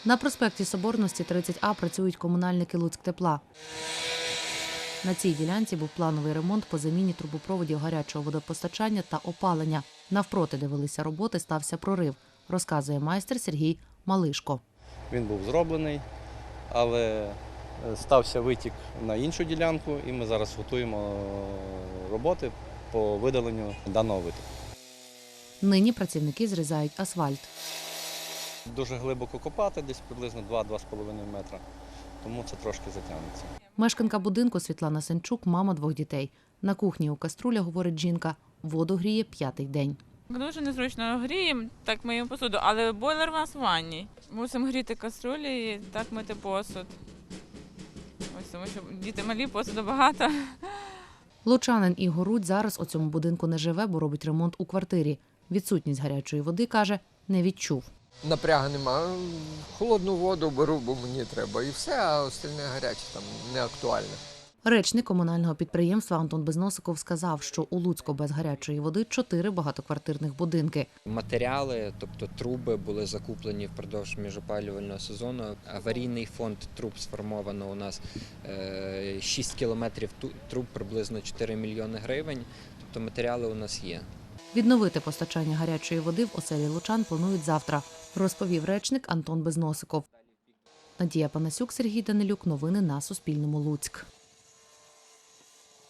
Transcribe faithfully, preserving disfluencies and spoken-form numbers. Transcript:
На проспекті Соборності тридцять А працюють комунальники Луцьктепла. На цій ділянці був плановий ремонт по заміні трубопроводів гарячого водопостачання та опалення. Навпроти, де велися роботи, стався прорив, розказує майстер Сергій Малишко. Він був зроблений, але стався витік на іншу ділянку, і ми зараз готуємо роботи по видаленню даного витоку. Нині працівники зрізають асфальт. Дуже глибоко копати, десь приблизно два-два з половиною метра, тому це трошки затягнеться. Мешканка будинку Світлана Сенчук – мама двох дітей. На кухні у каструлях, говорить жінка, воду гріє п'ятий день. Дуже незручно гріємо, так миємо посуду, але бойлер у нас в ванні. Мусимо гріти каструлі і так мити посуд. Ось тому що діти малі, посуду багато. Лучанин Ігор Рудь зараз у цьому будинку не живе, бо робить ремонт у квартирі. Відсутність гарячої води, каже, не відчув. Напрягу нема. Холодну воду беру, бо мені треба. І все, а остальне гаряче там не актуальне. Речник комунального підприємства Антон Безносиков сказав, що у Луцьку без гарячої води чотири багатоквартирних будинки. Матеріали, тобто труби, були закуплені впродовж міжопалювального сезону. Аварійний фонд труб сформовано у нас шість кілометрів труб, приблизно чотири мільйони гривень. Тобто матеріали у нас є. Відновити постачання гарячої води в оселі лучан планують завтра, розповів речник Антон Безносиков. Надія Панасюк, Сергій Данилюк. Новини на Суспільному. Луцьк.